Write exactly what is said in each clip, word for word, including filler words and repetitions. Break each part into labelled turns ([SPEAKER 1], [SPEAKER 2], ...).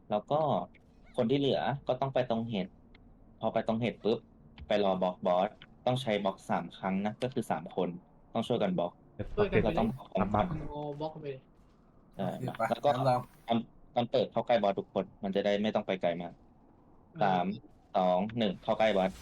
[SPEAKER 1] แล้วก็คนที่เหลือก็ต้องไปตรงเห็ดพอไปตรงเห็ดปุ๊บไปรอบล็อกบอสต้องใช้บล็อกสามครั้งนะก็คือสามคนต้องช่วยกันบล็อก
[SPEAKER 2] เดี๋ยว
[SPEAKER 3] ช่วยกันไป
[SPEAKER 1] เรา
[SPEAKER 3] เล
[SPEAKER 1] ต้อง
[SPEAKER 3] ย
[SPEAKER 1] บล็อกพร้อมกัน
[SPEAKER 3] โมบล็อกไปเลย
[SPEAKER 1] ใช่
[SPEAKER 4] โอเคปะ
[SPEAKER 1] แล้วก็
[SPEAKER 4] งั้นเรา
[SPEAKER 1] ตอนตอนเปิดเข้าใกล้บอสทุกคนมันจะได้ไม่ต้องไปไกลมากสามสองหนึ่งเข้าใกล้บอส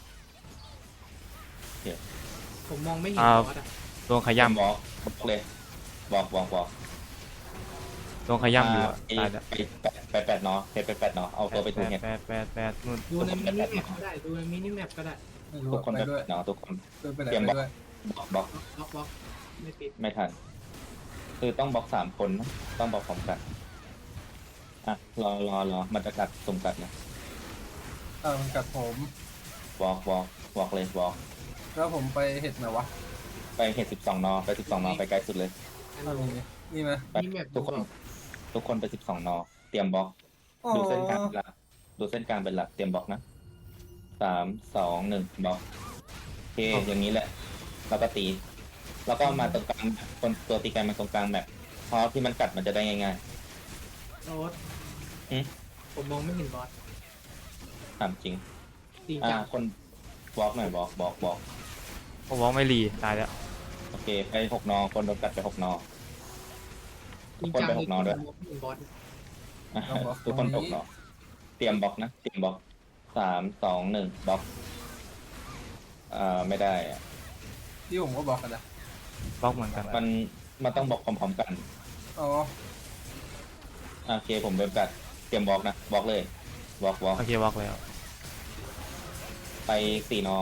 [SPEAKER 3] ผมมองไม่เห็น
[SPEAKER 2] อ่า
[SPEAKER 3] บอสอ่ะ
[SPEAKER 2] โดนขย้ำ
[SPEAKER 1] บล็อกบล็อกเลยบอกบอกบอก
[SPEAKER 2] โดนขย้ำอยู่อะ
[SPEAKER 1] ไป
[SPEAKER 2] ตายแล้ว
[SPEAKER 1] ไปแปดไปแปดเนาะไปไปแปดเนาะเอาตัวไปถูกเห็ด
[SPEAKER 2] แปดแปดแปดนู่น
[SPEAKER 3] ดูในมินิแมปก็ได้ดูในมินิแมปก็ได้
[SPEAKER 4] ไม่รู้
[SPEAKER 1] ทุก
[SPEAKER 4] อะ
[SPEAKER 1] คน
[SPEAKER 4] ไป
[SPEAKER 1] ไป
[SPEAKER 4] ด้ว
[SPEAKER 1] แป
[SPEAKER 4] ย
[SPEAKER 1] ดเนาะทุกคน
[SPEAKER 4] เดินไปไหน
[SPEAKER 1] เตรียม
[SPEAKER 4] ไป
[SPEAKER 1] บล็อก
[SPEAKER 4] ด้วย
[SPEAKER 1] บล็อกบล็อก
[SPEAKER 3] บล็อกบล็อกไม่ติด
[SPEAKER 1] ไม่ทันคือต้องบล็อกสามคนนะต้องบล็อกพร้อมกันอ่ะรอรอรอมันจะกัดสุ่มกัดนะ
[SPEAKER 4] อ่ามันกัดผม
[SPEAKER 1] บล็อกบล็อกบล็อกเลยบล็อก
[SPEAKER 4] แล้วผมไปเห็ดไหนวะ
[SPEAKER 1] ไปเห็ดสิบสองนอไปสิบสองนอไปไกลสุดเลย
[SPEAKER 3] อัน
[SPEAKER 4] อ่า
[SPEAKER 3] นี้
[SPEAKER 4] นี่นี่ไหม
[SPEAKER 1] ไป
[SPEAKER 3] มินิแมป
[SPEAKER 1] ทุกคน ทุกคนไปสิบสองนอเตรียมบล็อก
[SPEAKER 4] อ๋อ
[SPEAKER 1] ดูเส้นกลางเป็นหลักดูเส้นกลางเป็นหลักเตรียมบล็อกนะสามสองหนึ่งบล็อกโอเคอย่างนี้แหละแล้วก็ตี แล้วก็มาตรงกลางคนตัวตีไกลมาตรงกลางแมปเพราะที่มันกัดมันจะได้ง่าย
[SPEAKER 3] โน้ต
[SPEAKER 1] อืม
[SPEAKER 3] ผมมองไม่เห็นบอส
[SPEAKER 1] ๆถามจริง
[SPEAKER 3] จริง
[SPEAKER 1] อ่า
[SPEAKER 3] จัง
[SPEAKER 1] คนบล็อกหน่อยบล็อกบล็อกบล็อก
[SPEAKER 2] ผมบอกไม่รีตายแล้ว
[SPEAKER 1] โอเคไปหกนอคนโดนกัดไปหกนอ
[SPEAKER 3] จริง
[SPEAKER 1] คน
[SPEAKER 3] จัง
[SPEAKER 1] ไป
[SPEAKER 3] เล
[SPEAKER 1] ห
[SPEAKER 3] ย
[SPEAKER 1] กนอด้วย
[SPEAKER 3] ผมมองไม่เห็นบอส
[SPEAKER 1] อ่ะทุกคนตกนอเตรียมบล็อกนะเตรียมบล็อกสามสองหนึ่งบล็อกอ่าไม่ได้อะ
[SPEAKER 4] ที่ผมก็บอกกันนะ
[SPEAKER 2] บล็อกเหมือนกัน
[SPEAKER 1] มันมันต้องบล็อกพร้อมๆกัน
[SPEAKER 4] อ๋อ
[SPEAKER 1] โอเคผมเป็นกัดเตรียมบล็อกนะบล็อกเลยบล็อกบล็อก
[SPEAKER 2] โอเคบล็อกแล้ว
[SPEAKER 1] ไปสี่นอ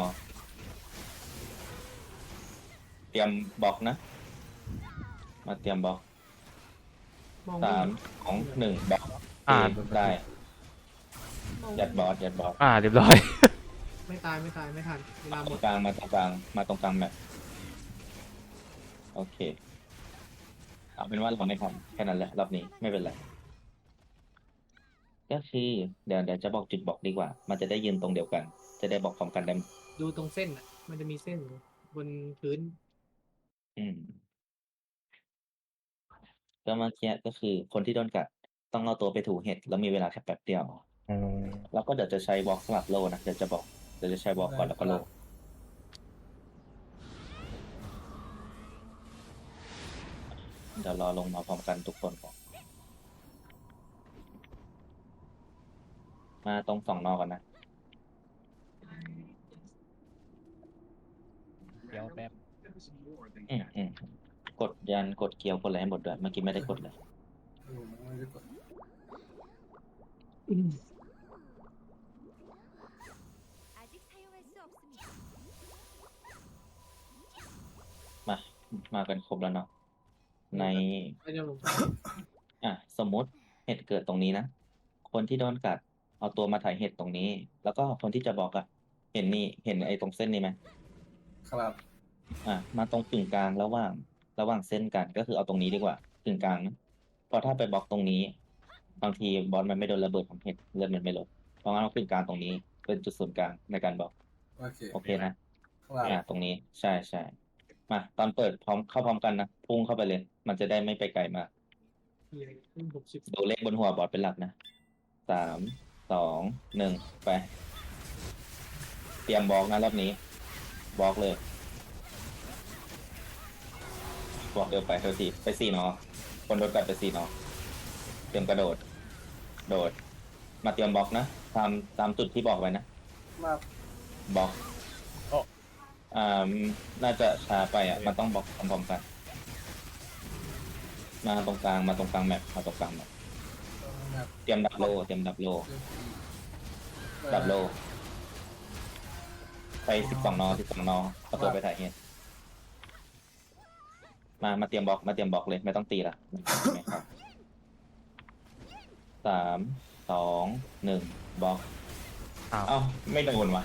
[SPEAKER 1] เตรียมบล็อกนะ มาเตรียมบล็อก
[SPEAKER 3] มองไม่
[SPEAKER 1] สาม
[SPEAKER 3] เห็น
[SPEAKER 1] สองหนึ่งบล็อก
[SPEAKER 2] อ่า
[SPEAKER 1] โอเคได้
[SPEAKER 3] มอง
[SPEAKER 1] ยัดบอสยัดบอส
[SPEAKER 2] อ่าเรียบร้อย
[SPEAKER 3] ไม่ตายไม่ตายไม่ทันเวลาห
[SPEAKER 1] ต
[SPEAKER 3] ม
[SPEAKER 1] ร
[SPEAKER 3] ด
[SPEAKER 1] งกลางมาตรงกลางมาตรงกลางแมปโอเคเอาเป็นว่าเราไม่ทำแค่นั้นแหละรอบนี้ไม่เป็นไรก็คือเดี๋ยวเดี๋ยวจะบอกจุดบอกดีกว่า มันจะได้ยืนตรงเดียวกัน จะได้บอกพร้อมกันได้
[SPEAKER 3] ดูตรงเส้นอ่ะ มันจะมีเส้นอยู่บนพื้น
[SPEAKER 1] อืมก็เมื่อกี้ก็คือคนที่โดนกัดต้องเอาตัวไปถูเห็ดแล้วมีเวลาแค่แป๊บเดียว
[SPEAKER 2] อืม
[SPEAKER 1] แล้วก็เดี๋ยวจะใช้วอล์กสลับโลนะเดี๋ยวจะบอกเดี๋ยวจะใช้วอล์กก่อนแล้วก็โลเดี๋ยวรอลงมาพร้อมกันทุกคนก่อนมาตรงสองนอก่อนนะ
[SPEAKER 2] เดี๋ยวแป๊บ
[SPEAKER 1] อืมอืมกดยันกดเกียวกดอะไรให้หมดด้วยเมื่อกี้ไม่ได้กดเลย
[SPEAKER 4] ผมไม่ได้กด
[SPEAKER 5] 아직 사용할 수 없습니다.
[SPEAKER 1] มามากันครบแล้วเนาะใน
[SPEAKER 3] ไม่ได้ลง
[SPEAKER 1] อ่ะสมมุติเห็ดเกิดตรงนี้นะคนที่โดนกัดเอาตัวมาถ่ายเห็ดตรงนี้ แล้วก็คนที่จะบอกอะเห็นนี่เห็นไอ้ตรงเส้นนี้ไหม
[SPEAKER 4] ครับ
[SPEAKER 1] อ่ะมาตรงกึ่งกลางระหว่างระหว่างเส้นกันก็คือเอาตรงนี้ดีกว่ากึ่งกลางนะเพราะถ้าไปบล็อกตรงนี้ บางทีบอลมันไม่โดนระเบิดของเห็ดเลือดมันไม่ลดเพราะงั้นเอากึ่งกลางตรงนี้เป็นจุดศูนย์กลางในการบล็อก
[SPEAKER 4] โอเค
[SPEAKER 1] โอเคนะ
[SPEAKER 4] ครับ
[SPEAKER 1] อ่ะตรงนี้ใช่ใช่มาตอนเปิดพร้อมเข้าพร้อมกันนะพุ่งเข้าไปเลย มันจะได้ไม่ไปไกลมาก
[SPEAKER 3] ขึ้นหกสิบ
[SPEAKER 1] ดูเลขบนหัวบอร์ดเป็นหลักนะสามสองหนึ่งไป เตรียมบล็อกนะรอบนี้บล็อกเลยบล็อกเดียวไปเท่าทีไปสี่เนาะคนโดนกัดไปสี่เนาะเตรียมกระโดด โดด มาเตรียมบล็อกนะตามตามจุดที่บอกไว้นะ
[SPEAKER 4] มา
[SPEAKER 1] บล็อกอ่าน่าจะช้าไปอ่ะมันต้องบล็อกพร้อมๆกัน มาตรงกลางมาตรงกลางแมปมาตรงกลางแมป
[SPEAKER 4] แบบ
[SPEAKER 1] เตรียมดับโลเตรียมดับโล ดับโล ไปสิบสองนอสิบสองนอเอาตัวไปถ่ายเห็ดมามาเตรียมบล็อกมาเตรียมบล็อกเลยไม่ต้องตีละไม่ครับสามสองหนึ่งบล็อก
[SPEAKER 2] อ้าว
[SPEAKER 1] เอ้าไม่โดนวะ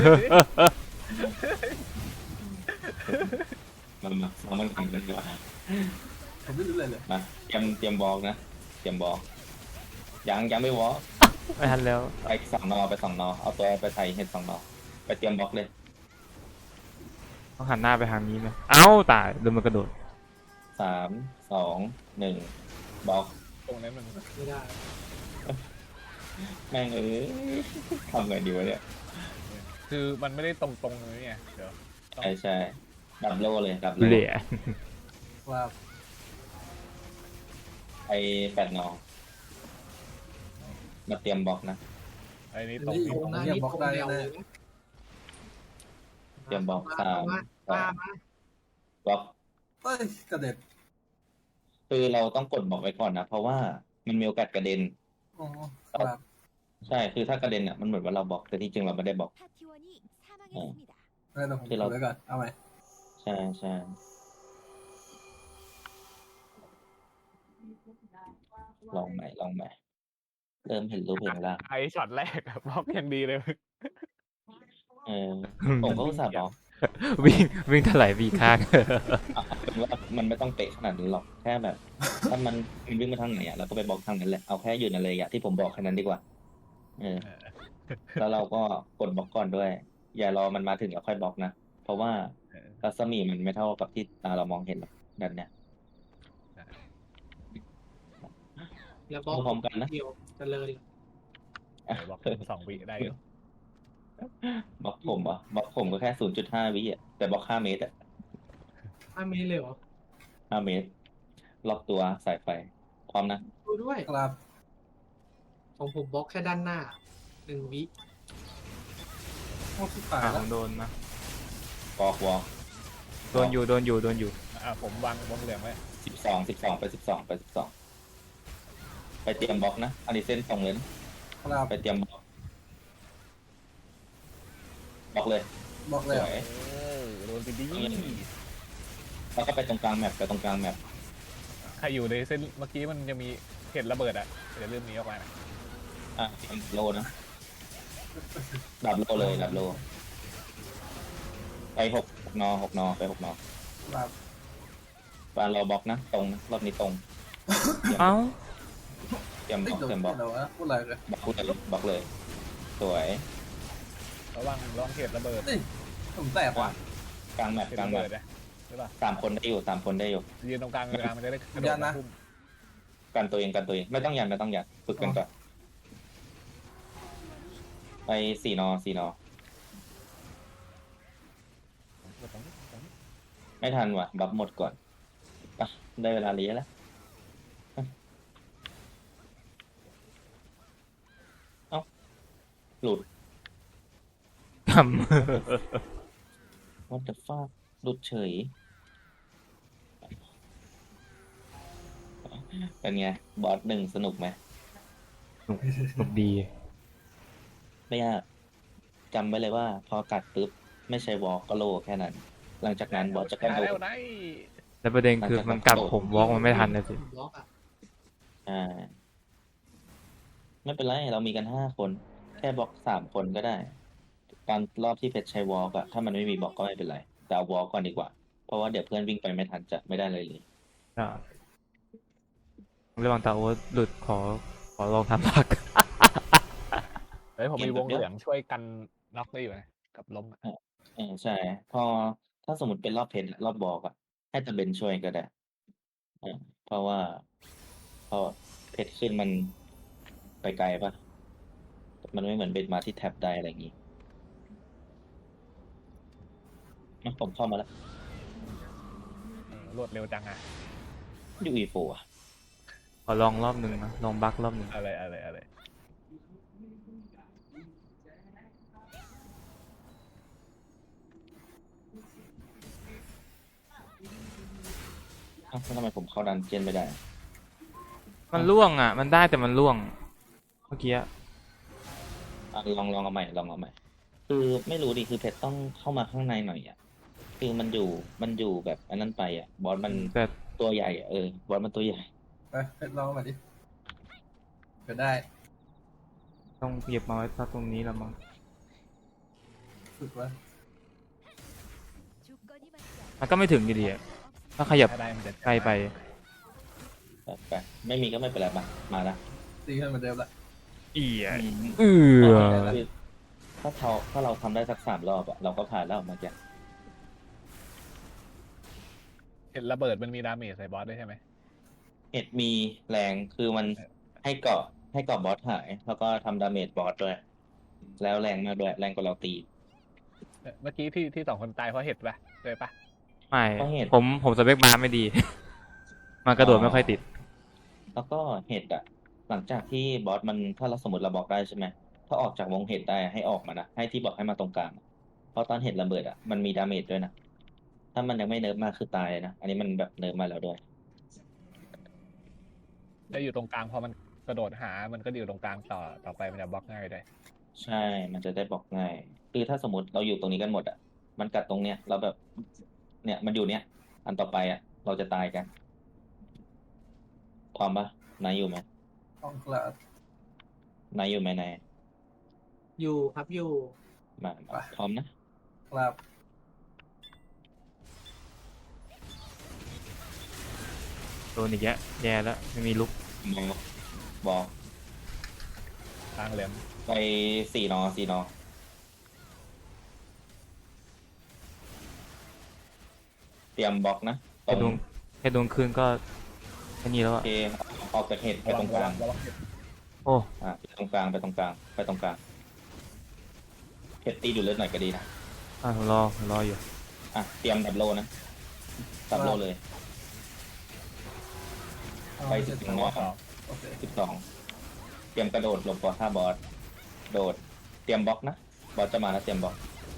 [SPEAKER 1] มามาเอามันทำกันดีกว่า
[SPEAKER 4] ผมไม่รู้เลยเลย
[SPEAKER 1] มาเตรียมเตรียมบล็อกนะเตรียมบล็อกยังยังไม่บล็อก
[SPEAKER 2] ไม่ทันแล้ว
[SPEAKER 1] ไปสองนอไปสองนอเอาตัวไปถ่ายเห็ดสองนอไปเตรียมบล็อกเลย
[SPEAKER 2] ต้องหันหน้าไปทางนี้ไหมเอ้าตายโดนมันกระโดด
[SPEAKER 1] สามสองหนึ่งบล็อก
[SPEAKER 4] ตรงนั้นมัน
[SPEAKER 3] ไม่ได้
[SPEAKER 1] แม่งเอ้ยทำไงดีวะเนี่ย
[SPEAKER 6] คือมันไม่ได้ตรงๆเลยเนี่ยเดี๋ยว
[SPEAKER 1] ใช่ใช่ดับโลเลยดับโล
[SPEAKER 2] เหลี่ย
[SPEAKER 4] ว่า
[SPEAKER 1] ไปแปดนอมาเตรียมบล็อกนะ
[SPEAKER 6] ไอ้นี่
[SPEAKER 4] อัน
[SPEAKER 6] ตรง
[SPEAKER 4] นี้
[SPEAKER 6] นี้
[SPEAKER 4] ผ
[SPEAKER 3] ตรง
[SPEAKER 4] ม
[SPEAKER 3] หน้า
[SPEAKER 4] ยัง
[SPEAKER 3] นี่
[SPEAKER 4] บล็อก
[SPEAKER 3] ตรง
[SPEAKER 4] ได้
[SPEAKER 3] เดียว
[SPEAKER 4] แน่
[SPEAKER 3] เลยนะ
[SPEAKER 1] เตรียมบล็อกสาม
[SPEAKER 3] มา
[SPEAKER 1] สอ
[SPEAKER 3] มาง มา
[SPEAKER 1] บล็อก
[SPEAKER 4] เอ้ยกระเด็ด
[SPEAKER 1] คือเราต้องกดบล็อกไว้ก่อนนะ เพราะว่ามันมีโอกาสกระเด็น
[SPEAKER 4] อ๋อครับ
[SPEAKER 1] ใช่ คือถ้ากระเด็นอ่ะมันเหมือนว่าเราบล็อกแต่ที่จริงเราไม่ได้บล็อก
[SPEAKER 5] 파티원이 사망했습니다.
[SPEAKER 4] ไม่ต้องผม
[SPEAKER 1] ที่
[SPEAKER 4] ก
[SPEAKER 1] เรา
[SPEAKER 4] ดไว้ก่อนเอาไหม
[SPEAKER 1] ใช่ใช่ลองใหม่ลองใหม่เริ่มเห็นรูปเห็นร่าง
[SPEAKER 6] ไอ้ช็อตแรกอะบล็อกอย่างดีเลย
[SPEAKER 1] เออผมก็อุตส่าห์บล็อก
[SPEAKER 2] วิ่งวิ่งถลายวีข้าง
[SPEAKER 1] เอาเป็นว่ามันไม่ต้องเป๊ะขนาดนั้นหรอกแค่แบบ ถ้ามันมันวิ่งมาทางไหนอ่ะเราก็ไปบล็อกทางนั้นแหละเอาแค่อยู่ในระยะที่ผมบอกแค่นั้นดีกว่า เออ แล้วเราก็กดบล็อกก่อนด้วย อย่ารอมันมาถึงแล้วค่อยบล็อกนะ เพราะว่า
[SPEAKER 6] เออ
[SPEAKER 1] รัศมีมันไม่เท่ากับที่ตาเรามองเห็นหรอกแบบเนี้ย
[SPEAKER 3] แล้วบล็อก
[SPEAKER 1] พร้อมกันนะ
[SPEAKER 3] เดียวจะเลย
[SPEAKER 6] บล็อกสองวิได้อยู่
[SPEAKER 1] บล็อกผมเหรอ่ะบล็อกผมก็แค่ศูนย์จุดห้าวิอ่ะแต่บล็อกห้าเมตรอ่ะ
[SPEAKER 3] ห้าเมตรเลยเหรอ
[SPEAKER 1] ห้าเมตร ล็อกตัวสายไฟ พร้อมนะ
[SPEAKER 3] ดูด้วย
[SPEAKER 4] ครับ
[SPEAKER 3] ของผมบล็อกแค่ด้านหน้าหนึ่งวิ
[SPEAKER 4] โอ้สุดท้าย
[SPEAKER 2] อ่า
[SPEAKER 4] แล้
[SPEAKER 2] ผ
[SPEAKER 4] ว
[SPEAKER 2] มโดนนะ
[SPEAKER 1] วอล์กวอล์ก
[SPEAKER 2] โดนอยู่โดนอยู่โดนอยู่
[SPEAKER 6] อ่ะผมวางวงเหลืองไว้
[SPEAKER 1] สิบสองสิบสองไปสิบสองไปสิบสองไปเตรียมบล็อกนะอันนี้เส้นตรงเลยนะครับ ไปเตรียมบล็อกบล็อกเลย
[SPEAKER 4] บอก
[SPEAKER 1] ส
[SPEAKER 4] เลย
[SPEAKER 1] วย
[SPEAKER 6] เออโดนไปดี
[SPEAKER 1] แล้วก็ไปตรงกลางแมปไปตรงกลางแมป
[SPEAKER 6] ใครอยู่ในเส้นเมื่อกี้มันจะมีเห็ดระเบิดอ่ะเดี๋ยวเริ่มหนี้ออกมานะ
[SPEAKER 1] อ่ะเตรียมโลนะดับโลเลยดับโลไปหกหกนอหกนอไปหกนอ
[SPEAKER 4] ครับ
[SPEAKER 1] ปานเราบล็อกนะตรงนะรอบนี้ตรง
[SPEAKER 2] เอ้า
[SPEAKER 1] เตรียมบ
[SPEAKER 4] เอ้ย
[SPEAKER 1] ล็อก
[SPEAKER 4] โดน
[SPEAKER 1] เตรียมบล็อก
[SPEAKER 4] เดี๋ยววะพูดอะไรเลย
[SPEAKER 1] บล็อกเลยบล็อกเลย สวย
[SPEAKER 6] ระวังระวังเห็ดระเบิด
[SPEAKER 4] เอ้ยผมแตกว่ะ
[SPEAKER 1] กลางแมป
[SPEAKER 6] เห็ด
[SPEAKER 1] กลาง
[SPEAKER 6] ระ
[SPEAKER 1] แม
[SPEAKER 6] เบิ
[SPEAKER 1] ป
[SPEAKER 6] ดนะใช่ป่ะ
[SPEAKER 1] สามคนได้อยู่สามคนได้อยู่
[SPEAKER 6] ยืนตรงกลางกลางมันจะได้กระโดดมาพุ่ม
[SPEAKER 1] กันตัวเองกันตัวเองไม่ต้องยันไม่ต้องยันฝึกกันก่อนไปสี่นอสี่นอ
[SPEAKER 6] ตรงนี้ตรงนี้
[SPEAKER 1] ไม่ทันว่ะบัฟหมดก่อนอ่ะได้เวลาเลี้ยแล้วเอ้าหลุด
[SPEAKER 2] ท
[SPEAKER 1] what the fuck หลุดเฉยเป็นไงบอสหนึ่งสนุกไหม
[SPEAKER 2] ำสนุกดี
[SPEAKER 1] ไม่ยากจำไว้เลยว่า พอกัดปุ๊บไม่ใช่วอลก็โลแค่นั้น หลังจากนั้นบอสจะกระโด
[SPEAKER 6] แล้
[SPEAKER 1] ด
[SPEAKER 6] วได้
[SPEAKER 2] แล้วประเด็นคือมันกัดผมวอล์กมันไม่ทันนะสิ
[SPEAKER 3] บล็อกอ่ะ
[SPEAKER 1] อ่าไม่เป็นไรเรามีกันห้าคน แค่บล็อกสามคนก็ได้ ตอนรอบที่เพชรใช้วอลกอะถ้ามันไม่มีบล็อกก็ไม่เป็นไรแต่เอาวอลก่อนดีกว่า เพราะว่าเดี๋ยวเพื่อนวิ่งไปไม่ทันจะไม่ได้เลยเลย
[SPEAKER 2] อ่าระหว่างตาโอ๊ตหลุดขอขอลองทำพัก
[SPEAKER 6] เฮ้ยผมมีวงเหลืองช่วยกันน็อกได้อยู่นะกับล้มอะ
[SPEAKER 1] เออใช่ พอถ้าสมมติเป็นรอบเพชรรอบบอลอะให้ตะเบนช่วยก็ได้อ่าเพราะว่าพอเพชรขึ้นมันไปไกลปะมันไม่เหมือนเบนมาที่แท็บได้อะไรอย่างงี้อ่ะผมเข้ามาแล้ว
[SPEAKER 6] เออรวดเร็วจังอะ
[SPEAKER 1] ยูอีโฟอะ
[SPEAKER 2] ขอลองรอบหนึ่งนะลองบักรอบหนึ่ง
[SPEAKER 6] อะไรอะไรอะไร
[SPEAKER 1] เอ้าแล้วทำไมผมเข้าดันเจียนไม่ได้
[SPEAKER 2] มันล่วงอ่ะ มันได้แต่มันล่วง เมื่อกี้อะ
[SPEAKER 1] อ่ะลองลองเอาใหม่ลองเอาใหม่ คือไม่รู้ดิคือเพชรต้องเข้ามาข้างในหน่อยอ่ะคือมันอยู่มันอยู่แบบอันนั้นไปอ่ะ บอสมัน
[SPEAKER 2] แต่
[SPEAKER 1] ตัวใหญ่อ่ะเออบอสมันตัวใหญ่
[SPEAKER 4] ไปเพชรลองมาดิเกิดได้
[SPEAKER 2] ต้องเหยียบมาไว้ตรงนี้แล้วมั้ง
[SPEAKER 4] ฝึกไว้
[SPEAKER 5] 조건이 맞지
[SPEAKER 2] มันก็ไม่ถึงอยู่ดีอะถ้าขยับ
[SPEAKER 6] ถ้าได้มันจะ
[SPEAKER 2] ไกลไป
[SPEAKER 1] แบบไปไม่มีก็ไม่เป็นไรมามาละ
[SPEAKER 4] ตีขึ้นเหมือนเดิมละ
[SPEAKER 2] อีย
[SPEAKER 1] อืม
[SPEAKER 2] เออ
[SPEAKER 1] คือถ้าเราถ้าเราทำได้สักสามรอบอ่ะเราก็ผ่านแล้วเมื่อกี้
[SPEAKER 6] เห็ดระเบิดมันมีดาเมจใส่บอสด้วยใช่ไหม
[SPEAKER 1] เห็ดมีแรงคือมันให้เกาะให้กรอบบอสหาย แล้วก็ทำดาเมจบอสด้วย แล้วแรงมากด้วย แรงกว่าเราตี
[SPEAKER 6] เอ่อเมื่อกี้ที่ที่สองคนตายเพราะเห็ดปะเลยปะ
[SPEAKER 2] ไม่
[SPEAKER 1] เพราะเหตุ
[SPEAKER 2] ผมผมสเปคมาไม่ดี มันกระโดดไม่ค่อยติด
[SPEAKER 1] แล้วก็เห็ดอะหลังจากที่บอสมันถ้าเราสมมติเราบอกได้ใช่ไหมถ้าออกจากวงเห็ดได้ให้ออกมานะให้ที่บอกให้มาตรงกลางเพราะตอนเห็ดระเบิดอะมันมีดาเมจด้วยนะถ้ามันยังไม่เนิร์ฟมากคือตายเลยนะอันนี้มันแบบเนิร์ฟมาแล้วด้วย
[SPEAKER 6] ได้อยู่ตรงกลางพอมันกระโดดหามันก็อยู่ตรงกลางต่อต่อไปมันจะบล็อกง่ายเลย
[SPEAKER 1] ใช่มันจะได้บอกง่ายคือถ้าสมมติเราอยู่ตรงนี้กันหมดอะมันกัดตรงเนี้ยเราแบบเนี่ยมันอยู่เนี้ยอันต่อไปอะเราจะตายกันความปะนายอยู่ไหม
[SPEAKER 4] ของครับ
[SPEAKER 1] นายอยู่ไหมนาย
[SPEAKER 3] อยู่ครับอยู่
[SPEAKER 1] มามาพร้อมนะครับ
[SPEAKER 2] โดนอีกแยะแย่แล้ว ไม่มีลุก
[SPEAKER 1] บอกบอก
[SPEAKER 6] กลางเหลี่ยม
[SPEAKER 1] ไปสี่นอสี่นอ เตรียมบล็อกนะต
[SPEAKER 2] แค่ด
[SPEAKER 1] ร
[SPEAKER 2] ว
[SPEAKER 1] ง
[SPEAKER 2] งแค่ดวงคืนก็แค่นี้แล้ว
[SPEAKER 1] โอ
[SPEAKER 2] อะ
[SPEAKER 1] เคออกจากเห็ดไประ
[SPEAKER 6] วั
[SPEAKER 1] ตรง งก
[SPEAKER 6] ระ
[SPEAKER 1] ลา
[SPEAKER 6] วั
[SPEAKER 1] ง
[SPEAKER 6] งระวังเห็ด
[SPEAKER 2] โอ้
[SPEAKER 1] อ่าไปตรงกลางไปตรงกลางไปตรงกลางเห็ดตีดูดเลือดหน่อยก็ดีนะ
[SPEAKER 2] อ่ะผมรอผมรออยู่
[SPEAKER 1] อ่ะเตรียมดับโลนะดับโลเลย
[SPEAKER 4] เอา
[SPEAKER 1] ไป
[SPEAKER 4] เจ็
[SPEAKER 1] สิ
[SPEAKER 4] ด
[SPEAKER 1] บ
[SPEAKER 4] ตัว
[SPEAKER 1] สอง
[SPEAKER 4] โอเค
[SPEAKER 1] สิบสองเตรียมกระโดดหลบก่อนท่าบอสโดด เตรียมบล็อกนะบอสจะมาแล้วเตรียมบล็อก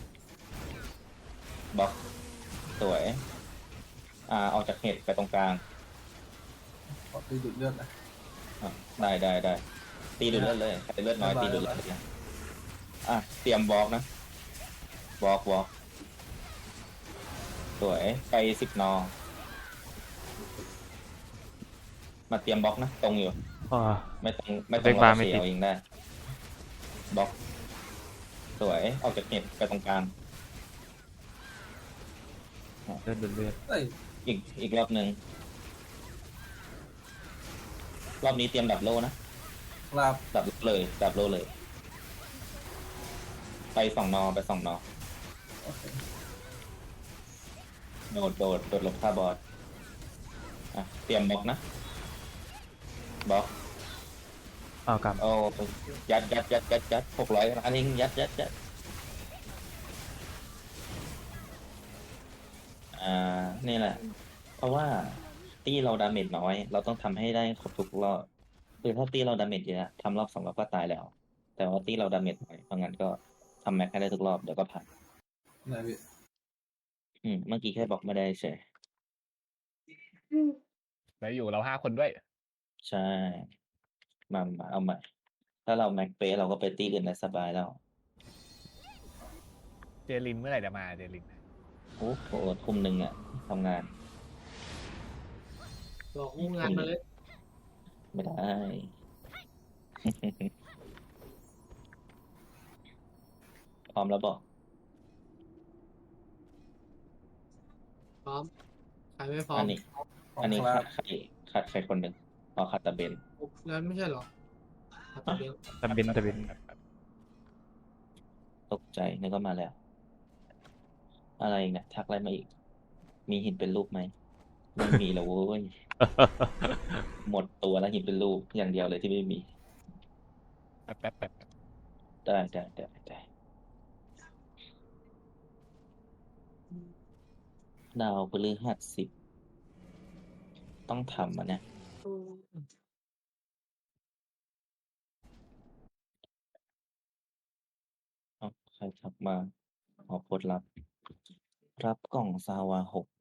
[SPEAKER 1] บล็อกสวย อ่าออกจากเห็ดไปตรงกลาง
[SPEAKER 4] ขอตีดูดเลือดนะ
[SPEAKER 1] อ่ะได้ได้ได้ตีดูดเลือดเลยใครเลือดน้อยตีดูดเลือดเลยอ่ะเตรียมบล็อกนะบล็อกบล็อกสวยไปสิบนอ มาเตรียมบล็อกนะตรงอยู่
[SPEAKER 2] อ่า
[SPEAKER 1] ไม่ต้องไม่ต้อง
[SPEAKER 2] เบรกบาร์ไม่
[SPEAKER 1] เสี
[SPEAKER 2] ติ
[SPEAKER 1] ย
[SPEAKER 2] ด
[SPEAKER 1] เองได้บล็อกสวยออกจากเน็ตไปตรงกลาง
[SPEAKER 2] เลือดเลือดเลือด
[SPEAKER 4] เอ้ย
[SPEAKER 1] อีกอีกรอบหนึ่งรอบนี้เตรียมดับโลนะ
[SPEAKER 4] ครับ
[SPEAKER 1] ดับโลเลย ดับโลเลย ไปสองนอไปสองนอ
[SPEAKER 4] โอเค
[SPEAKER 1] โดดโดดโดดหลบท่าบอสอ่ะเตรียมบล็อกนะบล็อก
[SPEAKER 2] อ้าวกลับ
[SPEAKER 1] โอ้ยัดยัดยัดยัดยัดหกร้อยอันนี้ยัดยัดยัดอ่านี่แหละ เพราะว่าตีเราดาเมจน้อย เราต้องทำให้ได้ครบทุกรอบคือถ้าตีเราดาเมจเยอะทำรอบสองรอบก็ตายแล้ว แต่ว่าตีเราดาเมจน้อยเพราะงั้นก็ทำแม็กให้ได้ทุกรอบเดี๋ยวก็ผ่าน
[SPEAKER 4] ไหนพี่
[SPEAKER 1] อืมเมื่อกี้แค่บอกไม่ได้เฉย
[SPEAKER 6] แล้วอยู่เราห้าคนด้วย
[SPEAKER 1] ใช่ มามาเอาใหม่ ถ้าเราแม็กเป๊ะเราก็ไปตีอื่นได้สบายแล้ว
[SPEAKER 6] เจลินเมื่อไหร่จะมาเจลิน
[SPEAKER 1] โอ้โหทุ่มหนึ่งอะทำงาน
[SPEAKER 3] บอกงูงานมาเลย
[SPEAKER 1] ไม่ได้ พร้อมแล้วบอก
[SPEAKER 3] พร้อมใครไม่พร้อ
[SPEAKER 1] อั
[SPEAKER 3] ม
[SPEAKER 1] นนี้
[SPEAKER 4] ของ
[SPEAKER 1] อันนี้
[SPEAKER 4] ครั
[SPEAKER 1] ขา
[SPEAKER 4] บ
[SPEAKER 1] ดใครขาดใครคนหนึ่งอ๋อขาดตะเบน
[SPEAKER 3] แล้วไม่ใช่เหรอครับตะเบล
[SPEAKER 2] ตะเบนตะเบน
[SPEAKER 1] ตกใจนึกว่ามาแล้ว อะไรอีกเนี่ยทักอะไรมาอีก มีหินเป็นรูปไหมไม่มีแล้วเว้ย หมดตัวแล้วหินเป็นรูปอย่างเดียวเลยที่ไม่มี
[SPEAKER 6] แป๊บแป๊บแป๊บ
[SPEAKER 1] ได้ได้ได้ได้ดาวพฤหัสสิบต้องทำอ่ะเนี่ย เอาใครทักมาขอโพสต์รับ รับกล่องซาวาหก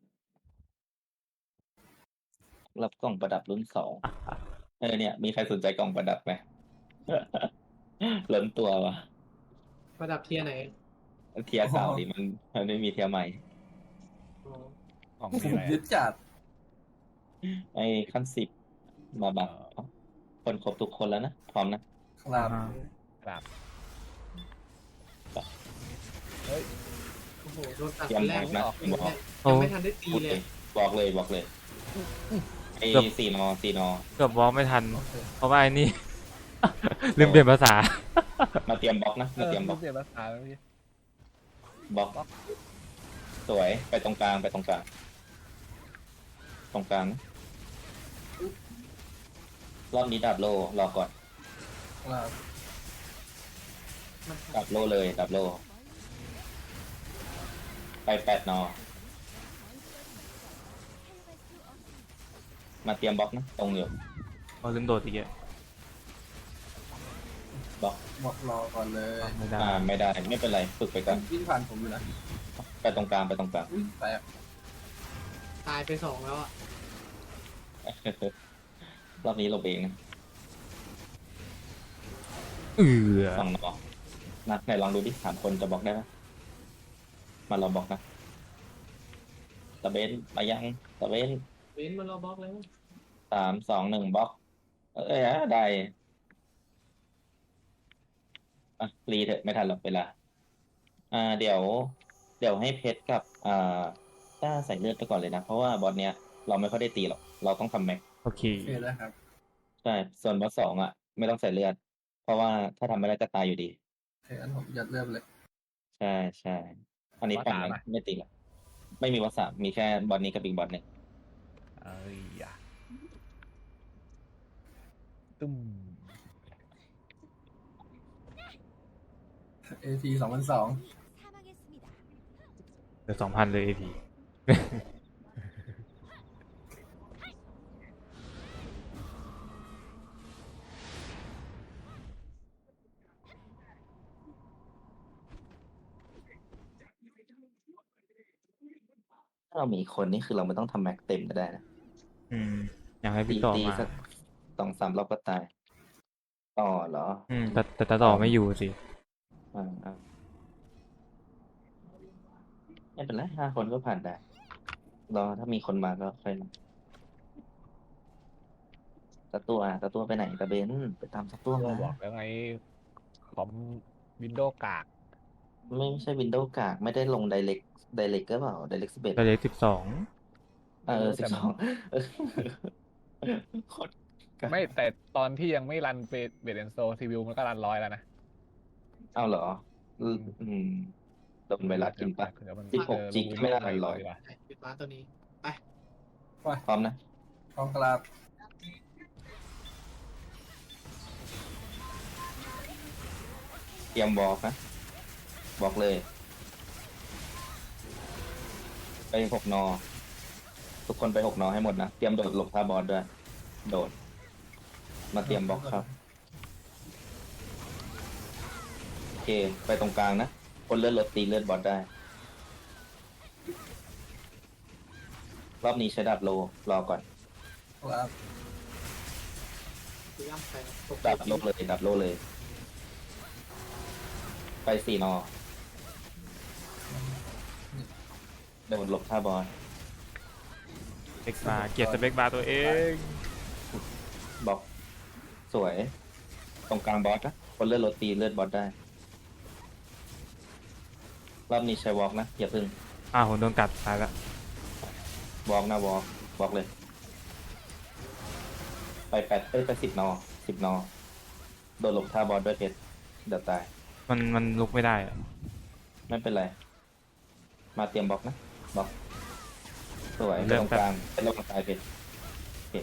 [SPEAKER 1] รับกล่องประดับรุ่นสอง เออเนี่ย มีใครสนใจกล่องประดับไหม ล้นตัววะ
[SPEAKER 3] ประดับเทียร์ไหน
[SPEAKER 1] เทียร์เก่าดิมันมันไม่มีเทียร์ใหม่
[SPEAKER 3] อ๋อ
[SPEAKER 6] ของ
[SPEAKER 4] ผ
[SPEAKER 6] มี
[SPEAKER 4] ม
[SPEAKER 6] อะไร
[SPEAKER 4] ยึดจัด
[SPEAKER 1] ไอ้ขั้นสิบมาบักคนครบทุกคนแล้วนะ พร้อมนะ
[SPEAKER 4] ครับ
[SPEAKER 2] อ่า
[SPEAKER 6] ครับ
[SPEAKER 3] โอ้โหโดนตัด
[SPEAKER 1] เตรีย
[SPEAKER 3] ค
[SPEAKER 1] ม
[SPEAKER 3] นแร
[SPEAKER 1] บ
[SPEAKER 3] ก
[SPEAKER 1] อกนะเตรียมบอก
[SPEAKER 2] โอ้
[SPEAKER 3] ยังไม่ทันได้ตี
[SPEAKER 1] พูด
[SPEAKER 3] เล
[SPEAKER 1] เลย ยบอกเลยบอกเลยไอ้สี่นอสี่นอ
[SPEAKER 2] เกือบวอล์กไม่ทัน
[SPEAKER 4] โอเค
[SPEAKER 2] เพราะว่าไอ้นี่ ลืมเปลี่ยนภาษา
[SPEAKER 1] มาเตรียมบล็อกนะ
[SPEAKER 6] เอ
[SPEAKER 1] มา
[SPEAKER 6] อ
[SPEAKER 1] เตรียมบล็อก
[SPEAKER 6] เปลี่ยนภาษาแล้วพี่
[SPEAKER 1] บล็อก สวยไปตรงกลางไปตรงกลาง ตรงกลางนะรอบนี้ดับโลรอก่อน
[SPEAKER 4] ลาบ
[SPEAKER 3] มัน
[SPEAKER 1] ดับโลเลยดับโล ไปแปดนอ มาเตรียมบล็อกนะตรงอยู่
[SPEAKER 2] พอลืมโดดอีกอ่ะ
[SPEAKER 1] บล็อก
[SPEAKER 4] บอกรอก่อนเลย
[SPEAKER 2] ไม่ได้
[SPEAKER 1] อ่าไม่ได้ไม่เป็นไรฝึกไปก่อน
[SPEAKER 4] วิ่งผ่านผมอยู่นะ
[SPEAKER 1] ไปตรงกลางไปตรงกลาง
[SPEAKER 4] อุ้ยแตก
[SPEAKER 3] ตายไปสองแล้วอ่ะ
[SPEAKER 1] รอบนี้เราเองนะ
[SPEAKER 2] เออ
[SPEAKER 1] สองนอนะไหนลองดูดิสามคนจะบล็อกได้ไหมมาเราบล็อกนะตะเบนมายังตะเบน
[SPEAKER 3] เว้นมันเราบล็อกแล้ว
[SPEAKER 1] สามสองหนึ่งบล็อก เอ้ยอ่ะได้อ่ะรีเถอะไม่ทันหรอกเวลา อ่า เดี๋ยว เดี๋ยวให้เพชรกับ อ่าต้าใส่เลือดไปก่อนเลยนะ เพราะว่าบอสเนี้ยเราไม่ค่อยได้ตีหรอก เราต้องทำแม็ก
[SPEAKER 2] โอเค
[SPEAKER 4] โอเคแล้วครับ
[SPEAKER 1] ใช่ ส่วนบอสสองอ่ะ ไม่ต้องใส่เลือด เพราะว่าถ้าทำไม่ได้จะตายอยู่ดี
[SPEAKER 4] โอเคอันผมยัดเริ่มเลย
[SPEAKER 1] ใช่ใช่ อันนี้
[SPEAKER 6] บอส
[SPEAKER 1] ปั่น
[SPEAKER 6] สาม
[SPEAKER 1] นะ
[SPEAKER 6] อะ
[SPEAKER 1] ไม่ตีละไม่มีบอสสามมีแค่บอสนี้กับอีกบอสหนึ่ง
[SPEAKER 6] เอ้ยอะตุ้ม
[SPEAKER 4] เอทีสองพันสอง
[SPEAKER 5] 사망했습니다.
[SPEAKER 2] เหลือสองพันเลยเอพี
[SPEAKER 1] ถ้าเรามีคนนี่คือเราไม่ต้องทำแม็กเต็มก็ได้นะ
[SPEAKER 2] อืมอยากให้
[SPEAKER 1] ตี
[SPEAKER 2] พี่ต่อ
[SPEAKER 1] ตี
[SPEAKER 2] มา
[SPEAKER 1] สักสองสามรอบก็ตาย ต่อเหรอ
[SPEAKER 2] อืมแต่แต่แต่ต่อไม่อยู่สิ
[SPEAKER 1] อ่าอ่าไม่เป็นไรห้าคนก็ผ่านได้ รอถ้ามีคนมาก็ค่อยมาตะตัวตะตัวไปไหนตะเบนไปตามตะตัว
[SPEAKER 6] เรา
[SPEAKER 1] มา
[SPEAKER 6] บอกแล้วไงคอมวินโดว์กาก
[SPEAKER 1] ไม่ใช่วินโดว์กากไม่ได้ลง Direct Direct ก็เปล่า Direct สิบเอ็ด
[SPEAKER 2] ตัวเล็กสิบสอง
[SPEAKER 1] เออสิบสองโคตรกาก
[SPEAKER 6] ไม่แต่ตอนที่ยังไม่รันเบเบดแอนโซซีวิวมันก็รันร้อยแล้วนะ
[SPEAKER 1] เอาเหรอ อืมอืมโดนไวรัสกินปะ
[SPEAKER 6] เดี๋ยวมัน
[SPEAKER 1] สิบหก
[SPEAKER 6] เออ
[SPEAKER 1] จิก
[SPEAKER 6] ลง
[SPEAKER 1] ไม่น่า
[SPEAKER 6] วิดีโอ
[SPEAKER 1] รันร้อย
[SPEAKER 6] ดีกว่า
[SPEAKER 3] ปิดร้านตัวนี้ ไป
[SPEAKER 1] พร้อมนะ
[SPEAKER 4] กองกลาบ
[SPEAKER 1] เตรียมบอกนะ บอกเลย ไปหกนอ ทุกคนไปหกนอให้หมดนะ เตรียมโดดหลบท่าบอสด้วย โดด มาเตรียมบล็อกครับ โอเค ไปตรงกลางนะ คนเลือดรถตีเลือดบอสได้ รอบนี้ใช้ดาบโล รอก่อน
[SPEAKER 4] กลาบ
[SPEAKER 3] คือย่ำไปตก
[SPEAKER 1] ดาบโลเลย ดาบโลเลย ไปสี่นอ โดดหลบท่าบอส
[SPEAKER 2] เบกบาร์เกียรติสเปกบาร์ตัวเอง
[SPEAKER 1] บล็อก สวย ตรงกลางบอสนะ คนเลือดรถตีเลือดบอสได้ รอบนี้ใช้วอล์กนะ อย่าพึ่ง
[SPEAKER 2] อ้าวผมโดนกัดตายละ
[SPEAKER 1] วอล์กนะวอล์กวอล์กเลย ไปแปดเอ้ยไปสิบนอสิบนอ โดนหลบท่าบอสด้วยเพชรเดี๋ยวตาย
[SPEAKER 2] มันมันลุกไม่ได้อะ
[SPEAKER 1] ไม่เป็นไร มาเตรียมบล็อกนะบล็อก สวยไปตรงกลางเป็นระวังตายเพชรโอเค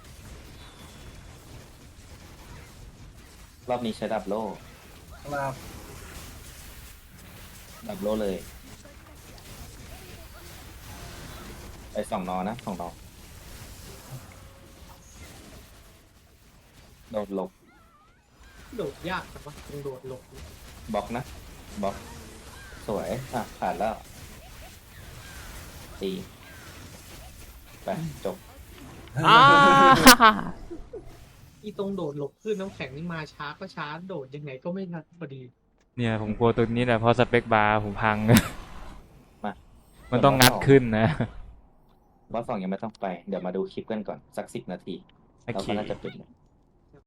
[SPEAKER 1] รอบนี้ใช้ดับโล่
[SPEAKER 4] กลาบ
[SPEAKER 1] ดับโล่เลย ไปสองนอนะสองนอ โดดหลบ
[SPEAKER 3] โดดยากแต่ว่าต้องโดดหลบบ
[SPEAKER 1] ล็อกนะบล็อก สวย อ่ะ ผ่านแล้วตีไปจบ
[SPEAKER 2] อ้า
[SPEAKER 3] อีตรงโดดหลบขึ้นน้ำแข็งนี่มาช้าก็ช้า โดดยังไงก็ไม่ทันพอดี
[SPEAKER 2] เนี่ยผมกลัวตัวนี้แหละเพราะสเปกบาร์ผมพัง
[SPEAKER 1] มา
[SPEAKER 2] มันต้องงัดขึ้นนะ
[SPEAKER 1] บอสสองยังไม่ต้องไป เดี๋ยวมาดูคลิปกันก่อน สักสิบนาที
[SPEAKER 2] โอ
[SPEAKER 1] เรา
[SPEAKER 2] เค
[SPEAKER 1] ก็น่าจะเป็น